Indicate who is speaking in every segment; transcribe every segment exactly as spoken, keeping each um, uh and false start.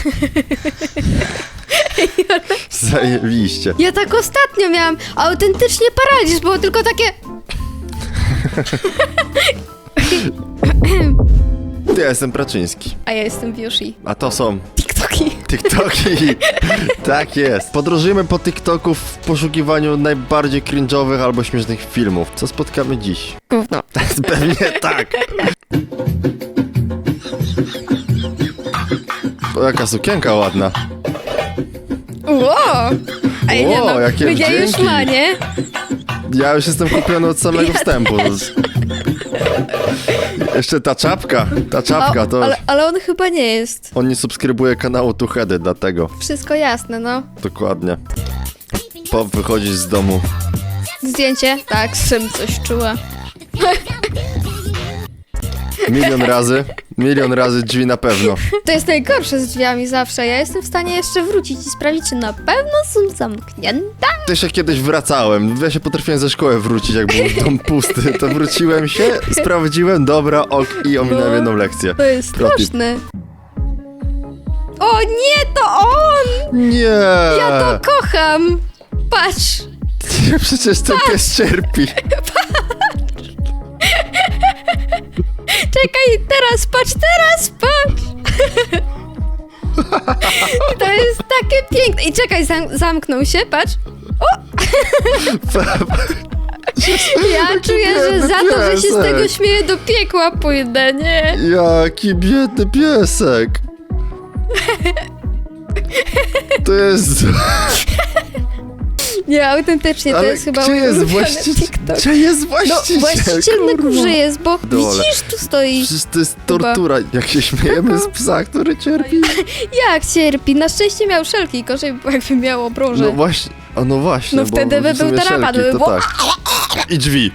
Speaker 1: Zajebiście.
Speaker 2: Ja tak ostatnio miałam autentycznie paraliż, było tylko takie...
Speaker 1: Ja jestem Praczyński.
Speaker 2: A ja jestem Wiushi.
Speaker 1: A to są
Speaker 2: TikToki.
Speaker 1: TikToki. Tak jest. Podróżujemy po TikToku w poszukiwaniu najbardziej cringe'owych albo śmiesznych filmów. Co spotkamy dziś?
Speaker 2: Gówno.
Speaker 1: Pewnie tak. O, jaka sukienka ładna.
Speaker 2: Wow! Ej, nie
Speaker 1: Wow,
Speaker 2: no,
Speaker 1: jakie
Speaker 2: mnie już
Speaker 1: wdzięki.
Speaker 2: ma, nie?
Speaker 1: Ja już jestem kupiony od samego
Speaker 2: Ja
Speaker 1: wstępu. Jeszcze ta czapka. Ta czapka
Speaker 2: O,
Speaker 1: to...
Speaker 2: ale, ale on chyba nie jest.
Speaker 1: On nie subskrybuje kanału Two Heady, dlatego.
Speaker 2: Wszystko jasne, no.
Speaker 1: Dokładnie. Po wychodzisz z domu.
Speaker 2: Zdjęcie? Tak, Szym coś czuła.
Speaker 1: Milion razy. Milion razy drzwi na pewno.
Speaker 2: To jest najgorsze z drzwiami zawsze. Ja jestem w stanie jeszcze wrócić i sprawdzić, czy na pewno są zamknięte.
Speaker 1: Też jak kiedyś wracałem, ja się potrafiłem ze szkoły wrócić, jak był dom pusty, to wróciłem się, sprawdziłem, dobra, ok, i ominąłem jedną lekcję.
Speaker 2: To jest
Speaker 1: Pro tip.
Speaker 2: straszne. O nie, to on!
Speaker 1: Nie!
Speaker 2: Ja to kocham! Patrz!
Speaker 1: Przecież ten pies cierpi.
Speaker 2: Czekaj, teraz patrz, teraz patrz! To jest takie piękne. I czekaj, zam zamknął się, patrz. O! Ja czuję, że za to, że się z tego śmieję, do piekła pójdę, nie?
Speaker 1: Jaki biedny piesek. To jest...
Speaker 2: Nie, autentycznie, to
Speaker 1: Ale
Speaker 2: jest chyba
Speaker 1: gdzie
Speaker 2: mój
Speaker 1: jest
Speaker 2: ulubiony
Speaker 1: właściciel?
Speaker 2: TikTok.
Speaker 1: Gdzie jest
Speaker 2: No,
Speaker 1: właściciel?
Speaker 2: właściciel na
Speaker 1: kurwa?
Speaker 2: górze jest, bo
Speaker 1: Dole.
Speaker 2: widzisz, tu stoi.
Speaker 1: Przecież to jest tortura, jak się śmiejemy z psa, który cierpi.
Speaker 2: Jak cierpi? Na szczęście miał szelki, gorzej by było, jakby miał obroże.
Speaker 1: No właśnie, a no właśnie.
Speaker 2: No
Speaker 1: bo
Speaker 2: wtedy by
Speaker 1: w sumie
Speaker 2: był dramat,
Speaker 1: szelki,
Speaker 2: by
Speaker 1: to
Speaker 2: było-
Speaker 1: tak. I drzwi.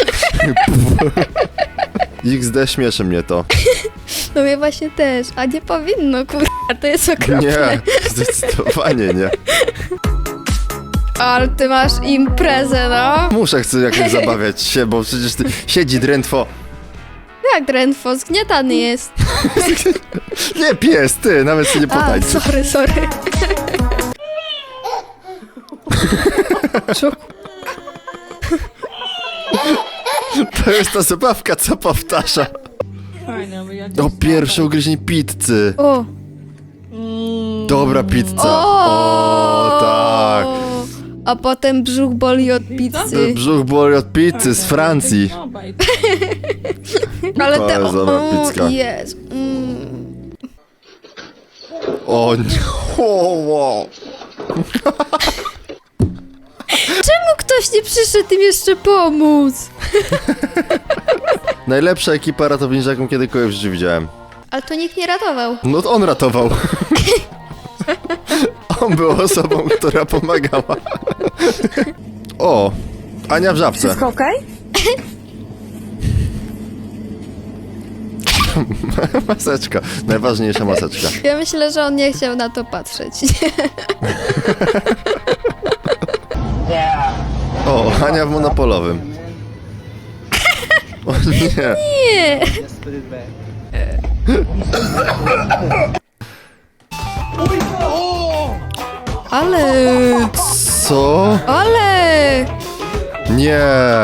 Speaker 1: iks de śmieszy mnie to.
Speaker 2: No mnie właśnie też, a nie powinno, kurwa, to jest okropne.
Speaker 1: Nie, zdecydowanie nie.
Speaker 2: Ale ty masz imprezę, no.
Speaker 1: Muszę, chcę jakoś zabawiać się, bo przecież ty siedzi drętwo.
Speaker 2: Jak drętwo, zgniatany jest.
Speaker 1: Nie, pies, ty, nawet się nie
Speaker 2: A,
Speaker 1: potańczy.
Speaker 2: sorry, sorry. Szok.
Speaker 1: To jest ta zabawka, co powtarza. O, pierwsze ugryzienie pizzy.
Speaker 2: O.
Speaker 1: Dobra pizza.
Speaker 2: O,
Speaker 1: O, tak.
Speaker 2: A potem brzuch boli od pizzy.
Speaker 1: Brzuch boli od pizzy z Francji.
Speaker 2: Ale
Speaker 1: to
Speaker 2: te...
Speaker 1: jest dobra
Speaker 2: o,
Speaker 1: pizzka.
Speaker 2: Jest. Mm.
Speaker 1: O nie. O, wow.
Speaker 2: Czemu ktoś nie przyszedł im jeszcze pomóc?
Speaker 1: Najlepsza ekipa ratownicza, jaką kiedykolwiek w życiu widziałem.
Speaker 2: Ale to nikt nie ratował.
Speaker 1: No to on ratował. On był osobą, która pomagała. O, Ania w żabce.
Speaker 3: Wszystko okej?
Speaker 1: Maseczka, najważniejsza maseczka.
Speaker 2: Ja myślę, że on nie chciał na to patrzeć.
Speaker 1: O, Ania w monopolowym. O nie.
Speaker 2: Nie. Ale...
Speaker 1: Co?
Speaker 2: Ale...
Speaker 1: Nie.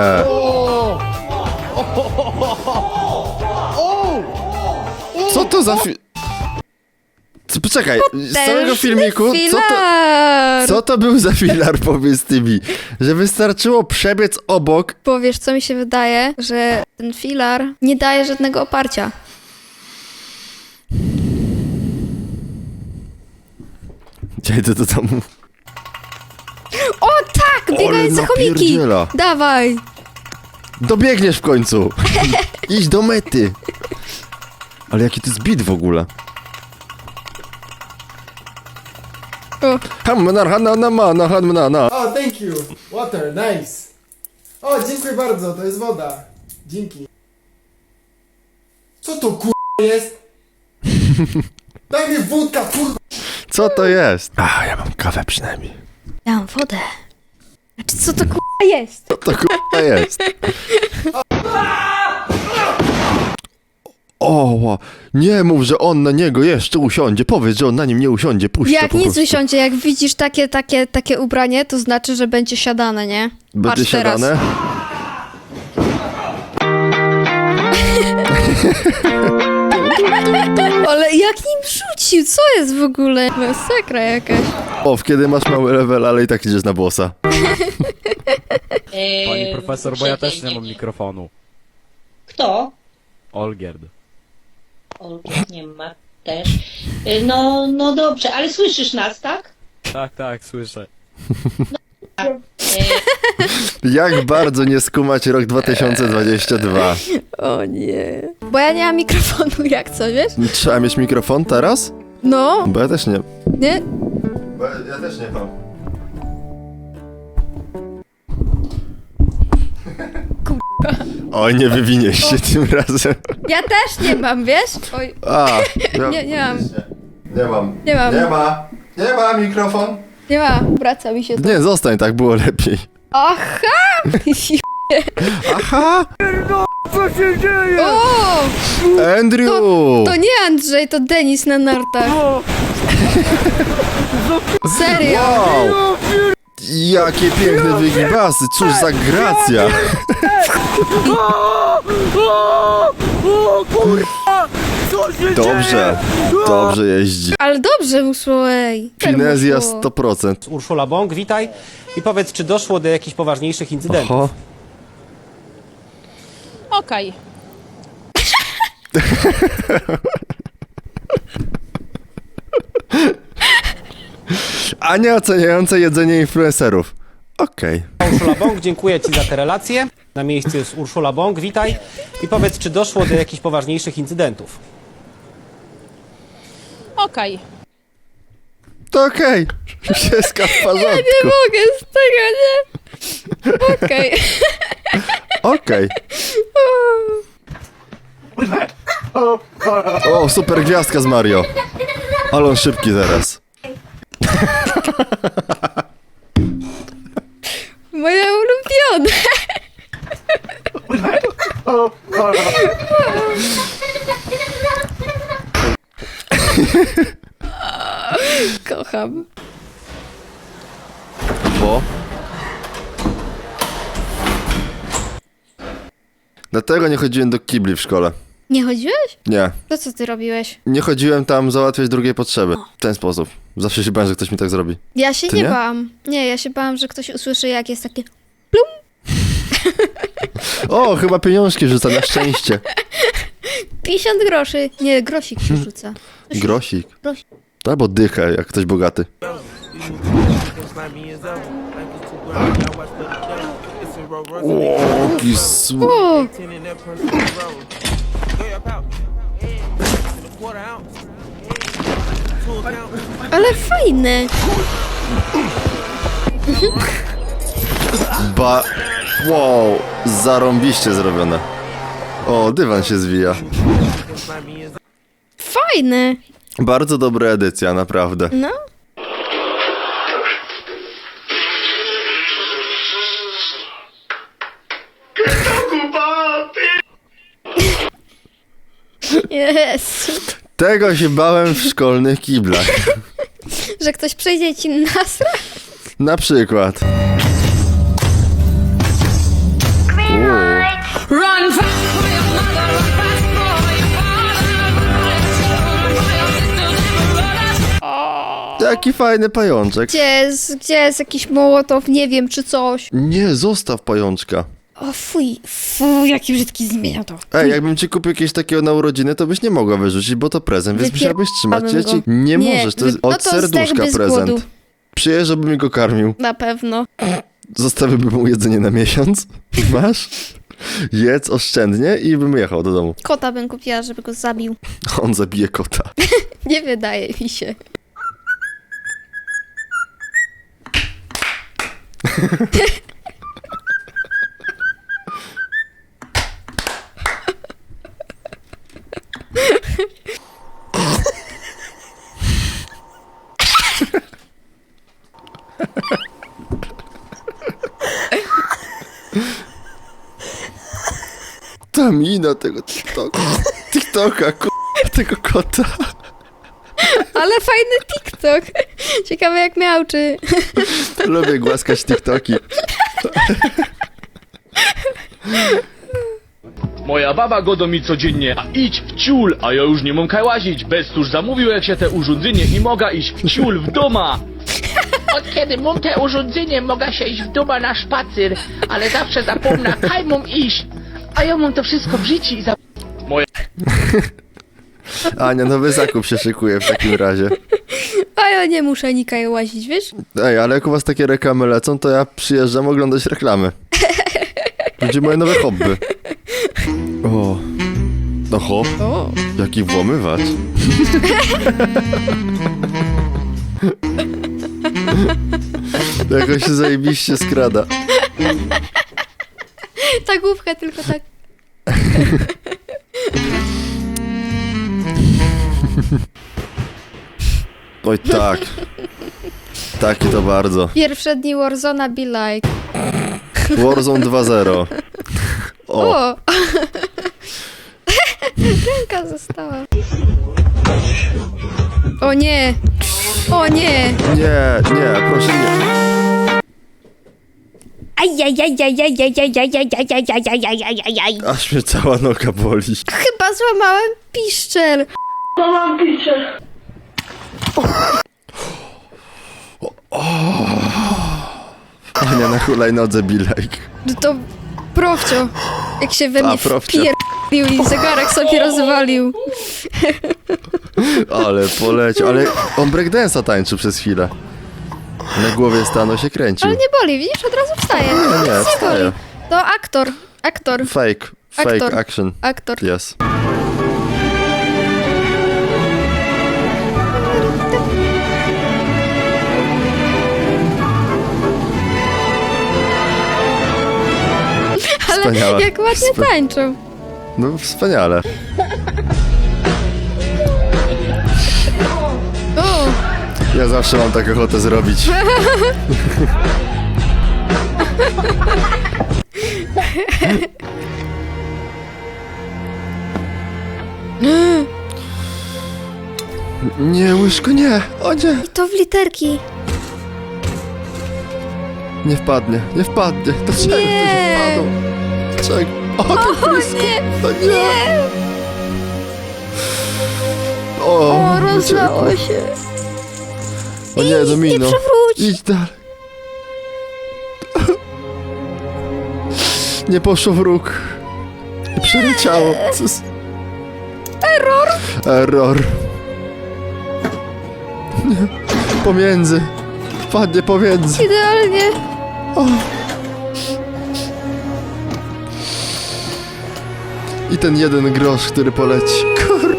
Speaker 1: Co to za fi... Co, poczekaj, z całego filmiku, co to,
Speaker 2: Filar.
Speaker 1: co to był za filar, powiedz ty mi? Że wystarczyło przebiec obok.
Speaker 2: Bo wiesz, co mi się wydaje? Że ten filar nie daje żadnego oparcia.
Speaker 1: Ja idę do domu.
Speaker 2: O tak! Biegające chomiki!
Speaker 1: napierdziela.
Speaker 2: Dawaj!
Speaker 1: Dobiegniesz w końcu. Idź do mety. Ale jaki to jest bit w ogóle?
Speaker 2: O.
Speaker 1: Hamna, hana, na, ma, na, hamna, na.
Speaker 4: O, thank you. Water, nice. O, dziękuję bardzo, to jest woda. Dzięki. Co to kur... jest? Daj mi wódka, kur...
Speaker 1: Co to jest? A, ja mam kawę przynajmniej.
Speaker 2: Ja mam wodę. Znaczy, co to k***a jest?
Speaker 1: Co to k***a jest? O, nie mów, że on na niego jeszcze usiądzie. Powiedz, że on na nim nie usiądzie. Puść to
Speaker 2: Jak
Speaker 1: po
Speaker 2: nic
Speaker 1: prostu.
Speaker 2: usiądzie, jak widzisz takie, takie, takie ubranie, to znaczy, że będzie siadane, nie?
Speaker 1: Będzie
Speaker 2: Patrz teraz.
Speaker 1: siadane?
Speaker 2: Ale jak nim rzucił, co jest w ogóle? Masakra jakaś.
Speaker 1: O, kiedy masz mały level, ale i tak idziesz na bossa.
Speaker 3: Eee,
Speaker 5: Pani profesor, bo ja też nie mam
Speaker 3: uprzejmie.
Speaker 5: mikrofonu.
Speaker 3: Kto?
Speaker 5: Olgierd.
Speaker 3: Olgierd nie ma też. Eee, No, no dobrze, ale słyszysz nas, tak?
Speaker 5: Tak, tak, słyszę.
Speaker 3: Eee,
Speaker 1: Jak bardzo nie skumać rok dwa tysiące dwudziesty drugi.
Speaker 2: O nie. Bo ja nie mam mikrofonu, jak co, wiesz?
Speaker 1: Trzeba mieć mikrofon teraz?
Speaker 2: No,
Speaker 1: Bo ja też nie.
Speaker 2: nie?
Speaker 1: Bo ja też nie mam.
Speaker 2: Kurwa.
Speaker 1: Oj, nie wywiniesz się tym razem.
Speaker 2: Ja też nie mam, wiesz? Oj,
Speaker 1: A, ja...
Speaker 2: nie, nie mam,
Speaker 1: Nie mam.
Speaker 2: nie mam,
Speaker 1: Nie ma. Nie ma mikrofon.
Speaker 2: nie mam. Wraca mi się to.
Speaker 1: Nie, zostań, tak było lepiej.
Speaker 2: Aha!
Speaker 1: Aha!
Speaker 2: O!
Speaker 1: Andrew!
Speaker 2: To nie Andrzej, to Denis na nartach. Serio?
Speaker 1: Wow! Jakie piękne wygibasy, cóż za gracja! Dobrze, dobrze jeździ.
Speaker 2: Ale dobrze mu szło, ej.
Speaker 1: Finezja
Speaker 2: Super mu szło.
Speaker 1: sto procent.
Speaker 6: Urszula Bąk, witaj i powiedz, czy doszło do jakichś poważniejszych incydentów?
Speaker 1: Oho.
Speaker 7: Okej.
Speaker 1: Ania oceniająca jedzenie influencerów. Okej.
Speaker 6: Urszula Bąk, dziękuję Ci za te relacje. Na miejscu jest Urszula Bąk, witaj i powiedz, czy doszło do jakichś poważniejszych incydentów?
Speaker 7: Okej.
Speaker 1: To okej. Wszystko w porządku.
Speaker 2: Nie mogę z tego, nie? Okej.
Speaker 1: Okej. O, super gwiazdka z Mario. Ale on szybki teraz.
Speaker 2: Moje ulubione. Kocham.
Speaker 1: Bo? Dlatego nie chodziłem do kibli w szkole.
Speaker 2: Nie chodziłeś?
Speaker 1: Nie.
Speaker 2: To co ty robiłeś?
Speaker 1: Nie chodziłem tam załatwiać drugiej potrzeby. W ten sposób. Zawsze się bałem, że ktoś mi tak zrobi.
Speaker 2: Ja się
Speaker 1: Ty
Speaker 2: nie,
Speaker 1: nie?
Speaker 2: bałam. Nie, ja się bałam, że ktoś usłyszy, jak jest takie...
Speaker 1: O, chyba pieniążki rzuca, na szczęście.
Speaker 2: pięćdziesiąt groszy. Nie, grosik się rzuca.
Speaker 1: Grosik.
Speaker 2: Grosik.
Speaker 1: Albo dychę, jak ktoś bogaty. O, jaki su...
Speaker 2: O, ale fajne.
Speaker 1: Ba... Wow, zarąbiście zrobione. O, dywan się zwija.
Speaker 2: Fajne.
Speaker 1: Bardzo dobra edycja, naprawdę.
Speaker 2: No. Jezu.
Speaker 1: Tego się bałem w szkolnych kiblach.
Speaker 2: Że ktoś przejdzie ci nasra?
Speaker 1: Na przykład. Uuu.
Speaker 7: Run fast for your mother, run fast for your father.
Speaker 1: Jaki fajny pajączek.
Speaker 2: Gdzie jest, gdzie jest jakiś mołotow, nie wiem, czy coś.
Speaker 1: Nie, zostaw pajączka.
Speaker 2: O fuj, fuj, jaki brzydki zmienia to.
Speaker 1: Ej, jakbym ci kupił jakieś takiego na urodziny, to byś nie mogła wyrzucić, bo to prezent, więc
Speaker 2: Wypierdam
Speaker 1: musiałabyś trzymać. Ja ci
Speaker 2: go.
Speaker 1: nie,
Speaker 2: Nie,
Speaker 1: możesz, to
Speaker 2: wy-
Speaker 1: jest
Speaker 2: no
Speaker 1: od
Speaker 2: to
Speaker 1: serduszka
Speaker 2: zdechłby z
Speaker 1: prezent.
Speaker 2: głodu.
Speaker 1: Przyjeżdżę, żebym go karmił.
Speaker 2: Na pewno.
Speaker 1: Zostawiłbym mu jedzenie na miesiąc. Masz? Jedz oszczędnie i bym jechał do domu.
Speaker 2: Kota bym kupiła, żeby go zabił.
Speaker 1: On zabije kota.
Speaker 2: Nie wydaje mi się.
Speaker 1: Ta mina tego TikToka. TikToka, ku... tego kota.
Speaker 2: Ale fajny TikTok. Ciekawe jak miałczy.
Speaker 1: Lubię głaskać TikToki.
Speaker 8: Moja baba godo mi codziennie, a idź w ciul, a ja już nie mam kaj łazić. Bez tuż zamówił jak się te urządzenie i mogę iść w ciul w doma.
Speaker 9: Od kiedy mam te urządzenie, mogę się iść w doma na spacer, ale zawsze zapomnę, kaj mam iść. A ja mam to wszystko w życiu i za...
Speaker 1: Ania, nowy zakup się szykuje w takim razie.
Speaker 2: A ja nie muszę nikaj łazić, wiesz?
Speaker 1: Ej, ale jak u was takie reklamy lecą, to ja przyjeżdżam oglądać reklamy. Będzie moje nowe hobby. O. Oho,
Speaker 2: O.
Speaker 1: jaki włamywacz. Jakoś się zajebiście skrada.
Speaker 2: Ta główka tylko tak.
Speaker 1: Oj tak. Taki to bardzo.
Speaker 2: Pierwsze dni Warzona be like.
Speaker 1: Warzone dwa zero. O,
Speaker 2: O! Ręka została. O nie! O nie!
Speaker 1: nie, nie, proszę nie.
Speaker 2: Ajajajajajajajajajajajajajajajajaj.
Speaker 1: Aż mnie cała noga boli.
Speaker 2: Chyba złamałem piszczel.
Speaker 1: Ania na hulajnodze be like.
Speaker 2: No to profcio. Jak się we
Speaker 1: A,
Speaker 2: mnie
Speaker 1: profcio.
Speaker 2: wpierdolił i zegarek sobie rozwalił.
Speaker 1: Ale poleciał, ale on breakdance'a tańczył przez chwilę. Na głowie stanął się kręcił.
Speaker 2: Ale nie boli, widzisz? Od razu wstaje.
Speaker 1: Nie, nie,
Speaker 2: Nic
Speaker 1: wstaje.
Speaker 2: boli. To aktor. Aktor.
Speaker 1: Fake, fake
Speaker 2: Aktor.
Speaker 1: action.
Speaker 2: Aktor.
Speaker 1: Yes.
Speaker 2: Ale
Speaker 1: Wspaniała.
Speaker 2: jak ładnie
Speaker 1: Wspa-
Speaker 2: tańczą.
Speaker 1: No wspaniale.
Speaker 2: O!
Speaker 1: Ja zawsze mam taką ochotę zrobić. Nie, łyżko, nie! O nie!
Speaker 2: I to w literki.
Speaker 1: Nie wpadnie, nie wpadnie. Dlaczego to
Speaker 2: Nie.
Speaker 1: się wpadło? Dlaczego? O, to
Speaker 2: O
Speaker 1: blisko!
Speaker 2: nie!
Speaker 1: O nie!
Speaker 2: Nie!
Speaker 1: O,
Speaker 2: O, rozlało
Speaker 1: uciekło.
Speaker 2: się.
Speaker 1: O nie, Domino.
Speaker 2: Nie przewróć.
Speaker 1: Idź dalej. Nie poszło w róg. Nie przeleciało. Co z...
Speaker 2: Error.
Speaker 1: Error. Nie. Pomiędzy. Wpadnie pomiędzy.
Speaker 2: Idealnie.
Speaker 1: O. I ten jeden grosz, który poleci. Kur...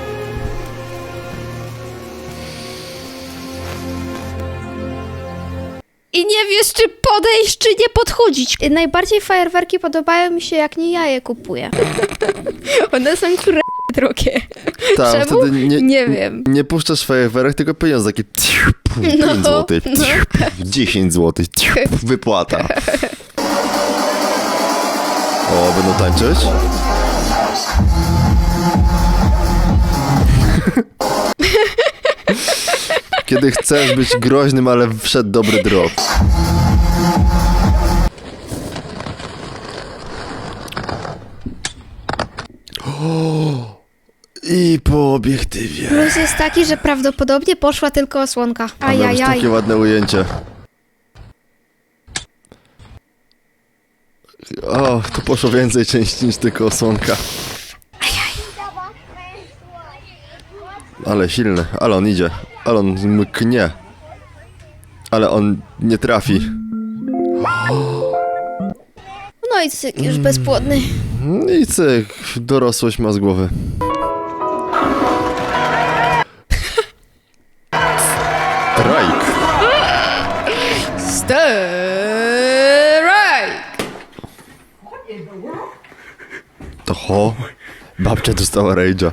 Speaker 2: I nie wiesz, czy podejść, czy nie podchodzić. Najbardziej fajerwerki podobają mi się, jak nie ja je kupuję. One są kurde drogie.
Speaker 1: Tak,
Speaker 2: Czemu?
Speaker 1: wtedy nie,
Speaker 2: Nie wiem.
Speaker 1: Nie puszczasz fajerwerek, tylko pieniądze takie pięć
Speaker 2: No,
Speaker 1: złotych,
Speaker 2: no.
Speaker 1: dziesięć złotych, wypłata. O, będą tańczyć? Kiedy chcesz być groźnym, ale wszedł dobry drop. O, i po obiektywie.
Speaker 2: Plus jest taki, że prawdopodobnie poszła tylko osłonka.
Speaker 1: A miał być
Speaker 2: Ajajaj.
Speaker 1: takie ładne ujęcie. O, to poszło więcej części niż tylko osłonka. Ale silny, ale on idzie, ale on mknie. Ale on nie trafi.
Speaker 2: No i cyk, już bezpłodny.
Speaker 1: I cyk, dorosłość ma z głowy. Strajk.
Speaker 2: Strike!
Speaker 1: To ho, babcia dostała rage'a.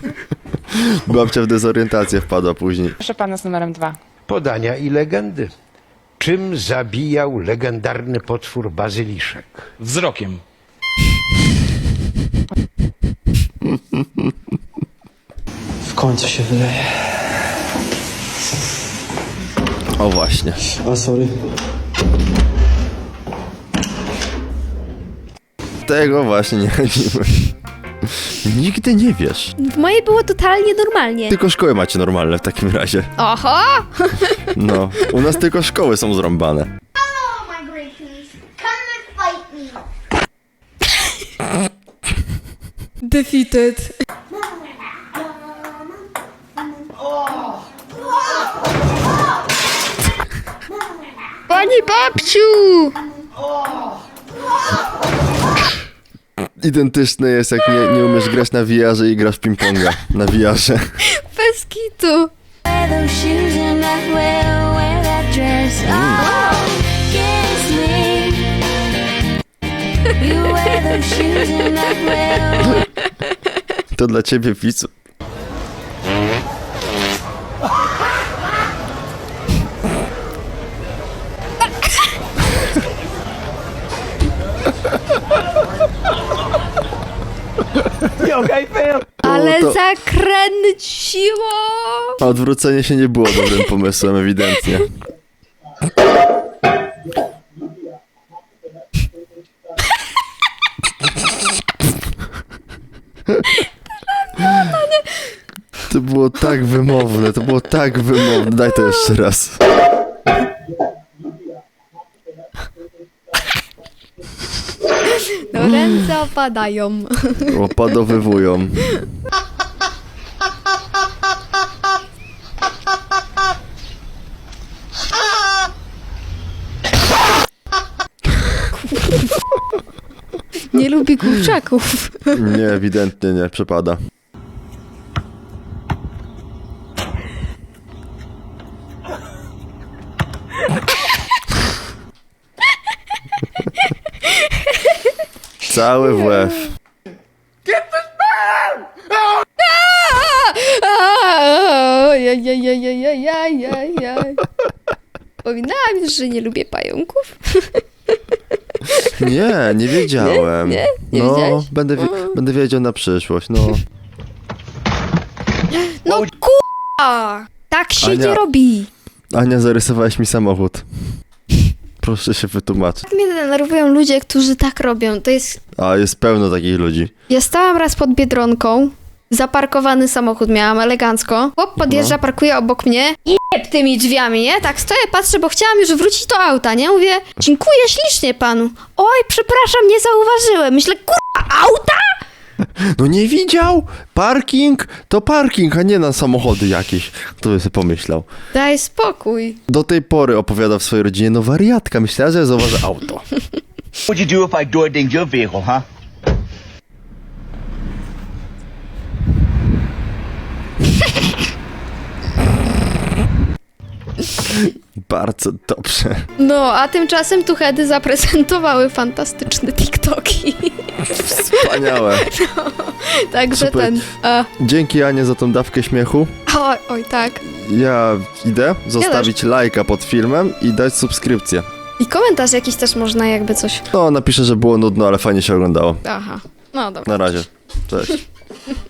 Speaker 1: Babcia w dezorientację wpadła później.
Speaker 9: Proszę pana z numerem dwa.
Speaker 10: Podania i legendy. Czym zabijał legendarny potwór bazyliszek?
Speaker 8: Wzrokiem.
Speaker 6: W końcu się wyleje.
Speaker 1: O właśnie.
Speaker 6: A sorry.
Speaker 1: Tego właśnie nie radzimy. Nigdy nie wiesz.
Speaker 2: W mojej było totalnie normalnie.
Speaker 1: Tylko szkoły macie normalne w takim razie.
Speaker 2: Oho!
Speaker 1: No, u nas tylko szkoły są zrąbane.
Speaker 2: Defeated. Pani babciu!
Speaker 1: Identyczne jest, jak nie, nie umiesz grać na V R-ze i grasz w ping-ponga na V R-ze.
Speaker 2: Bez kitu.
Speaker 1: To dla ciebie, widzu.
Speaker 2: Ale
Speaker 1: to-
Speaker 2: zakręciło!
Speaker 1: A odwrócenie się nie było dobrym pomysłem, ewidentnie. To było tak wymowne, to było tak wymowne. Daj to jeszcze raz.
Speaker 2: No ręce opadają.
Speaker 1: Opadowywują.
Speaker 2: Nie lubi kurczaków.
Speaker 1: Nie, ewidentnie nie, przepada. Cały w łeb.
Speaker 2: Ojajajajajajajajaj. Wspominałam już, że nie lubię pająków.
Speaker 1: Nie, nie wiedziałem.
Speaker 2: Nie? Nie
Speaker 1: no,
Speaker 2: wiedziałeś?
Speaker 1: będę, wi- będę wiedział na przyszłość, no.
Speaker 2: No ku***a! Tak się
Speaker 1: Ania.
Speaker 2: nie robi.
Speaker 1: Ania, zarysowałeś mi samochód. Proszę się wytłumaczyć.
Speaker 2: Tak mnie denerwują ludzie, którzy tak robią. To jest...
Speaker 1: A, jest pełno takich ludzi.
Speaker 2: Ja stałam raz pod Biedronką. Zaparkowany samochód miałam elegancko. Chłop podjeżdża, parkuje obok mnie. Jeb tymi drzwiami, nie? Tak stoję, patrzę, bo chciałam już wrócić do auta, nie? Mówię, dziękuję ślicznie panu. Oj, przepraszam, nie zauważyłem. Myślę, kurwa, auta?
Speaker 1: No nie widział? Parking to parking, a nie na samochody jakieś. Kto by sobie pomyślał?
Speaker 2: Daj spokój.
Speaker 1: Do tej pory opowiada w swojej rodzinie, no wariatka, myślała, że zauważy auto.
Speaker 11: What'd you do if I door dinged your vehicle, huh?
Speaker 1: Bardzo dobrze.
Speaker 2: No, a tymczasem tuchedy zaprezentowały fantastyczne TikToki.
Speaker 1: Wspaniałe.
Speaker 2: Także
Speaker 1: Super.
Speaker 2: ten... A,
Speaker 1: Dzięki, Anie, za tą dawkę śmiechu.
Speaker 2: oj, oj, tak.
Speaker 1: Ja idę zostawić lajka pod filmem i dać subskrypcję.
Speaker 2: I komentarz jakiś też można, jakby coś...
Speaker 1: No, napiszę, że było nudno, ale fajnie się oglądało.
Speaker 2: Aha, no dobra.
Speaker 1: Na razie. Cześć.